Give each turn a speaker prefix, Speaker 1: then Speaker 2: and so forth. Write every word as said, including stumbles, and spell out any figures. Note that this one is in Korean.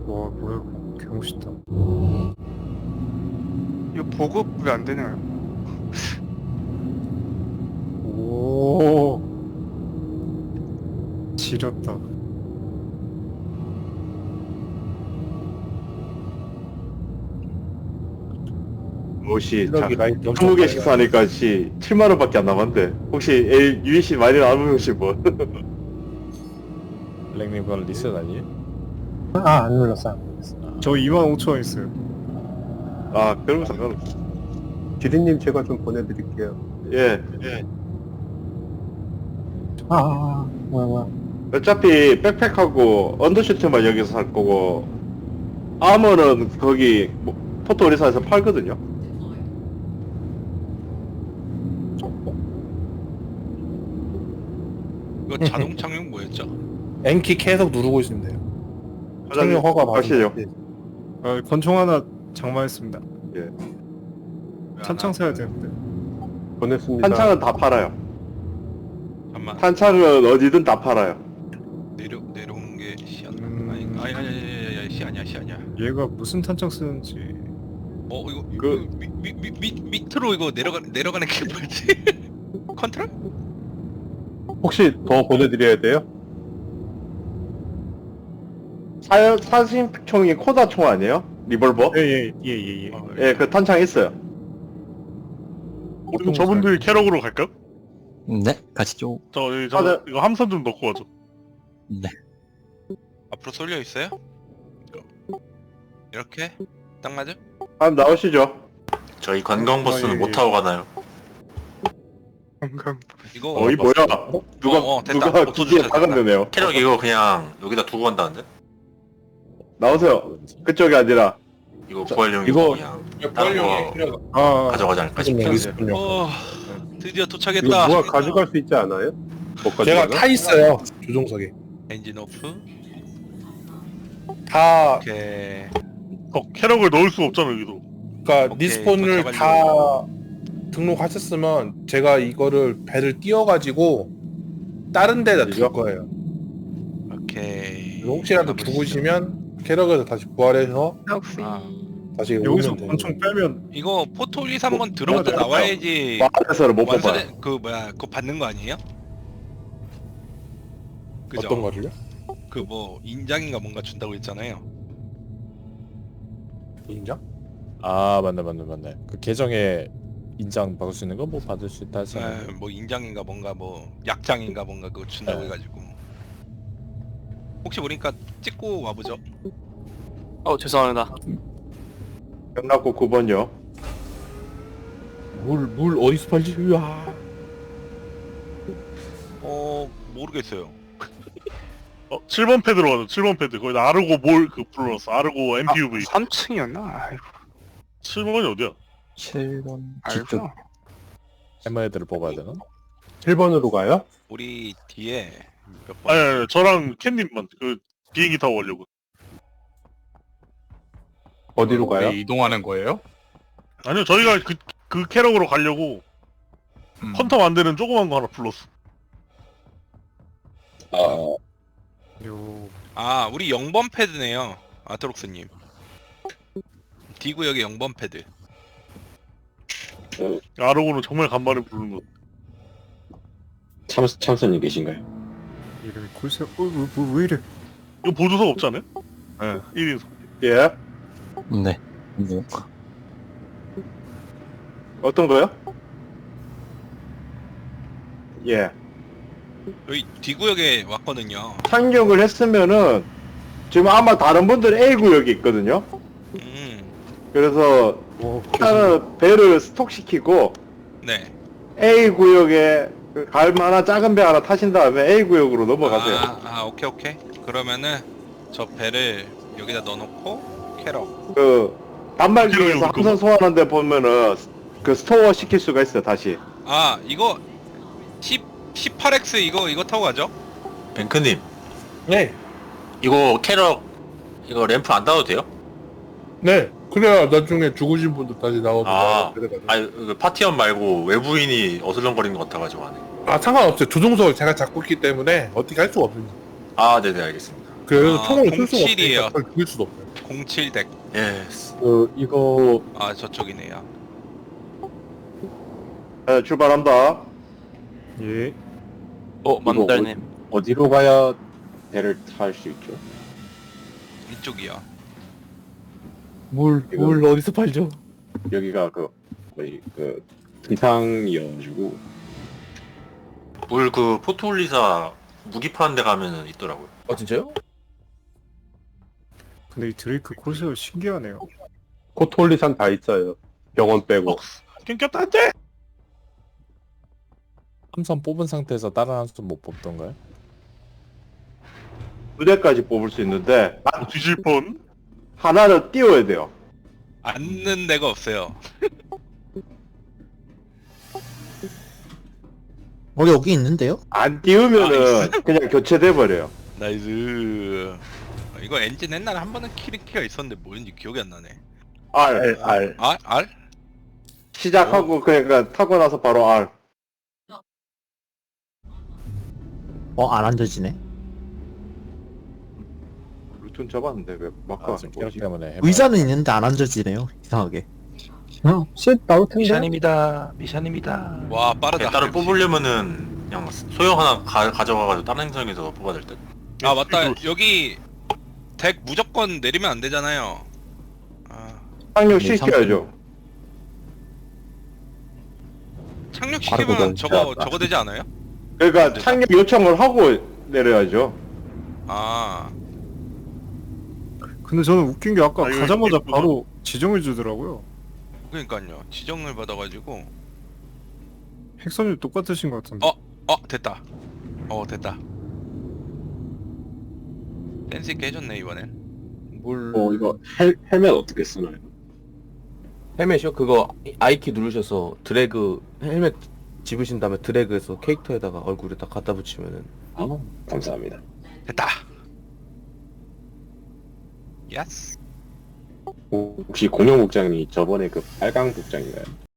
Speaker 1: 와 뭐야 개멋있다.
Speaker 2: 이거 보급 왜 안 되나요?
Speaker 1: 오 지렸다.
Speaker 3: 혹시
Speaker 4: 실력이 라인 엄청
Speaker 3: 스무 개씩 사니까 씨 칠만 원밖에 안 남았는데 혹시 A 유이씨 많이 남으신 분?
Speaker 5: 블랙님 그건 리셋 아니에요?
Speaker 4: 아안 눌렀어 안 눌렀어.
Speaker 1: 저 이만 오천 원 있어요.
Speaker 3: 아 그러면 상관없어.
Speaker 4: 지리님 제가 좀 보내드릴게요.
Speaker 3: 예, 예.
Speaker 4: 아, 아, 아 뭐야 뭐야.
Speaker 3: 어차피 백팩하고 언더슈트만 여기서 살 거고 아머는 거기 뭐, 포토리사에서 팔거든요.
Speaker 6: 이거 자동 착륙 뭐였죠?
Speaker 7: N키 계속 누르고 있으면 돼요.
Speaker 3: 사장님,
Speaker 7: 착륙 허가
Speaker 3: 하시죠.
Speaker 7: 받으면
Speaker 1: 아, 권총 하나 장만했습니다.
Speaker 3: 예.
Speaker 1: 탄창 사야 되는데.
Speaker 4: 보냈습니다.
Speaker 3: 탄창은 다 팔아요.
Speaker 6: 잠깐만
Speaker 3: 탄창은 어디든 다 팔아요.
Speaker 6: 내려 내려오는 게 시안
Speaker 1: 음.
Speaker 6: 아니 아니 아니 아니 아니 시 아니야 시 아니야.
Speaker 1: 얘가 무슨 탄창 쓰는지.
Speaker 6: 어 이거
Speaker 3: 그-
Speaker 6: 그 밑밑밑 밑으로 이거 내려가 내려가는 게 뭐지? 컨트롤?
Speaker 4: 혹시 더 보내드려야 돼요?
Speaker 3: 사, 사신총이 코다 총 아니에요? 리볼버?
Speaker 1: 예예예예 예, 예.
Speaker 3: 예, 그 탄창 있어요.
Speaker 8: 그럼 저분들 캐럭으로 갈까요?
Speaker 9: 네, 가시죠.
Speaker 8: 저, 여기 저
Speaker 3: 맞아.
Speaker 8: 이거 함선 좀 넣고 와줘.
Speaker 9: 네.
Speaker 6: 앞으로 쏠려 있어요? 이거. 이렇게 딱 맞아?
Speaker 3: 한번 나오시죠.
Speaker 10: 저희 관광 버스는
Speaker 1: 아, 예,
Speaker 10: 못
Speaker 1: 예.
Speaker 10: 타고 가나요?
Speaker 2: 방금
Speaker 6: 이거
Speaker 3: 어이 뭐야? 누가
Speaker 6: 어, 어, 됐다.
Speaker 3: 누가
Speaker 6: 없어졌다,
Speaker 3: 기지에
Speaker 6: 됐다.
Speaker 3: 박았네요.
Speaker 10: 캐럭 이거 그냥 여기다 두고 간다는데?
Speaker 3: 나오세요. 그쪽이 아니라
Speaker 10: 이거 구할용이고
Speaker 4: 이거-
Speaker 10: 그냥 다른 거
Speaker 1: 아
Speaker 10: 가져가지 않을까 싶어요.
Speaker 4: 있군요.
Speaker 6: 어 드디어
Speaker 4: 이거
Speaker 6: 도착했다.
Speaker 4: 누가 가져갈 수 있지 않아요? 못
Speaker 7: 제가
Speaker 4: 가져가나?
Speaker 7: 타 있어요. 조종석에.
Speaker 6: 엔진 오프.
Speaker 7: 다
Speaker 6: 오케이.
Speaker 8: 어, 캐럭을 넣을 수가 없잖아, 여기도.
Speaker 7: 그러니까
Speaker 6: 오케이,
Speaker 7: 리스폰을 다
Speaker 6: 도착하려고.
Speaker 7: 등록하셨으면 제가 이거를 배를 띄워가지고 다른 데다 둘
Speaker 3: 그죠?
Speaker 7: 거예요.
Speaker 6: 오케이.
Speaker 7: 혹시라도
Speaker 6: 가보시죠.
Speaker 7: 죽으시면 캐럭에서 다시 부활해서
Speaker 2: 혹시
Speaker 6: 아,
Speaker 7: 다시
Speaker 1: 여기서
Speaker 7: 오면 돼요.
Speaker 1: 권총 빼면
Speaker 6: 이거 포토리스 한번 들어갔다
Speaker 3: 맞아요.
Speaker 6: 나와야지
Speaker 3: 마을에서는 못 뽑아요.
Speaker 6: 완전해 그 뭐야 그거 받는 거 아니에요? 그죠?
Speaker 7: 어떤 거를요?
Speaker 6: 그 뭐 인장인가 뭔가 준다고 했잖아요.
Speaker 7: 인정?
Speaker 5: 아 맞네 맞네 맞네. 그 계정에 인장 바꿀 수 있는 거 뭐 받을 수 있다 하지 않아요?
Speaker 6: 에, 뭐 인장인가 뭔가 뭐 약장인가 뭔가 그거 준다고
Speaker 5: 네.
Speaker 6: 해가지고 혹시 모르니까 찍고 와보죠.
Speaker 11: 어 죄송합니다.
Speaker 3: 경락고 구 번요.
Speaker 7: 물, 물 어디서 팔지? 으아.
Speaker 6: 어 모르겠어요.
Speaker 8: 어, 칠 번 패드로 가자, 칠 번 패드. 거기다 아르고 뭘 그 불러놨어. 아르고 엠피유브이.
Speaker 2: 삼 층이었나? 아이고
Speaker 8: 칠 번이 어디야?
Speaker 9: 칠 번 뒤쪽.
Speaker 2: 알구나.
Speaker 5: 해머 애들을 뽑아야 되나?
Speaker 4: 칠 번으로 가요?
Speaker 6: 우리 뒤에 몇 번?
Speaker 8: 아니, 아니, 저랑 캣님만 그 비행기 타고 가려고.
Speaker 4: 어디로 가요?
Speaker 11: 이동하는 거예요?
Speaker 8: 아니요, 저희가 그, 그 캐럭으로 가려고
Speaker 11: 음.
Speaker 8: 헌터 만드는 조그만 거 하나 불렀어.
Speaker 1: 요
Speaker 6: 아 우리 영 번 패드네요. 아트록스님. D구역의 영 번 패드.
Speaker 8: 아르고는 정말 간만에 부르는 거.
Speaker 10: 참, 참선님 계신가요?
Speaker 1: 이름이 콜세. 어왜 뭐, 왜 이래?
Speaker 8: 이거 보조석 없지 않아요? 네, 일 인석.
Speaker 3: 예.
Speaker 9: 네. 뭐,
Speaker 3: 어떤 거요? 예.
Speaker 6: 여기 D구역에 왔거든요.
Speaker 3: 착륙을 했으면은 지금 아마 다른 분들 A 구역이 있거든요.
Speaker 6: 음,
Speaker 3: 그래서
Speaker 4: 오,
Speaker 3: 일단은 배를 스톡시키고
Speaker 6: 네.
Speaker 3: A 구역에 그갈 만한 작은 배 하나 타신 다음에 A 구역으로 넘어가세요.
Speaker 6: 아, 아 오케이 오케이. 그러면은 저 배를 여기다 넣어놓고 캐럿.
Speaker 3: 그 단말기에서
Speaker 8: 그래요,
Speaker 3: 함선 소환하는데 보면은 그 스토어 시킬 수가 있어요. 다시.
Speaker 6: 아 이거 십 십팔 엑스 이거 이거 타고 가죠?
Speaker 10: 뱅크님,
Speaker 7: 네.
Speaker 10: 이거 캐럭 이거 램프 안 닫아도 돼요?
Speaker 7: 네. 그래야 나중에 죽으신 분들 다시 나오고.
Speaker 10: 아,
Speaker 7: 그래가지고.
Speaker 10: 아니 그 파티원 말고 외부인이 어슬렁거리는 것 같아가지고 하네.
Speaker 7: 아 상관없어요. 조종석을 제가 잡고 있기 때문에 어떻게 할 수가 없습니다.
Speaker 10: 아, 네네 알겠습니다.
Speaker 7: 그래서
Speaker 6: 아,
Speaker 7: 총을 쓸 수가
Speaker 6: 공칠이에요.
Speaker 7: 없으니까 그걸 죽일 수도 없어요.
Speaker 6: 공칠 덱.
Speaker 10: 예스.
Speaker 3: 그 이거
Speaker 6: 아 저쪽이네요.
Speaker 3: 네, 출발한다.
Speaker 1: 예.
Speaker 11: 어 만달님.
Speaker 3: 어디로 가야 배를 탈 수 있죠?
Speaker 6: 이쪽이요.
Speaker 3: 물,
Speaker 5: 물
Speaker 3: 어디서 팔죠? 여기가 그 거의 그 등탕이어가지고
Speaker 10: 물 그 포토올리사 무기 파는 데 가면은 있더라고요.
Speaker 5: 어 진짜요?
Speaker 1: 근데 이 드레이크 코스가 신기하네요.
Speaker 4: 코톨리산 다 있어요. 병원 빼고.
Speaker 8: 낑겼다 안돼.
Speaker 5: 함선 뽑은 상태에서 다른 함선 못 뽑던가요?
Speaker 3: 두 대까지 뽑을 수 있는데
Speaker 8: 아, 뒤질 뻔.
Speaker 3: 하나를 띄워야 돼요.
Speaker 6: 앉는 데가 없어요.
Speaker 9: 어, 여기 있는데요?
Speaker 3: 안 띄우면은 그냥 교체돼 버려요.
Speaker 6: 나이스. 이거 엔진 옛날에 한 번은 키리키가 있었는데 뭐였는지 기억이 안 나네.
Speaker 3: R, R.
Speaker 6: 알? 알?
Speaker 3: 시작하고 그러니까 타고 나서 바로 R.
Speaker 9: 어, 안 앉아지네.
Speaker 3: 루튼 잡았는데 왜 마크가
Speaker 5: 아
Speaker 3: 안
Speaker 5: 지금 캐럿
Speaker 3: 보이지?
Speaker 5: 때문에 해봐요.
Speaker 9: 의자는 있는데 안 앉아지네요. 이상하게.
Speaker 1: 어, 쉿 나올 텐데.
Speaker 11: 미션입니다. 미션입니다.
Speaker 6: 와 빠르다.
Speaker 10: 따로 뽑으려면은 그냥 소형 하나 가, 가져가가지고 다른 행성에서 뽑아야 될 듯.
Speaker 6: 아 맞다. 여기 덱 무조건 내리면 안 되잖아요. 아,
Speaker 3: 착륙
Speaker 9: 네,
Speaker 3: 시켜야죠.
Speaker 6: 착륙
Speaker 3: 빠르고
Speaker 6: 시키면
Speaker 3: 너무
Speaker 6: 저거
Speaker 3: 잘한다.
Speaker 6: 저거 되지 않아요?
Speaker 3: 그러니까
Speaker 6: 됐다.
Speaker 3: 착륙 요청을 하고 내려야죠.
Speaker 6: 아
Speaker 1: 근데 저는 웃긴 게 아까
Speaker 8: 아, 이거
Speaker 1: 가자마자
Speaker 8: 예쁘다.
Speaker 1: 바로 지정해 주더라고요.
Speaker 6: 그러니까요. 지정을 받아가지고
Speaker 1: 핵선이 똑같으신 것 같은데.
Speaker 6: 어? 어 됐다. 어 됐다. 댄스 있게 해줬네 이번엔.
Speaker 11: 물
Speaker 3: 어 이거 헬, 헬멧 어떻게 쓰나요?
Speaker 11: 헬멧이요? 그거 I키 누르셔서 드래그 헬멧 집으신 다음에 드래그해서 캐릭터에다가 얼굴에 딱 갖다 붙이면은
Speaker 3: 아 감사합니다.
Speaker 6: 됐다. 예스.
Speaker 3: 혹시 공룡 복장이 저번에 그 빨강 복장인가요?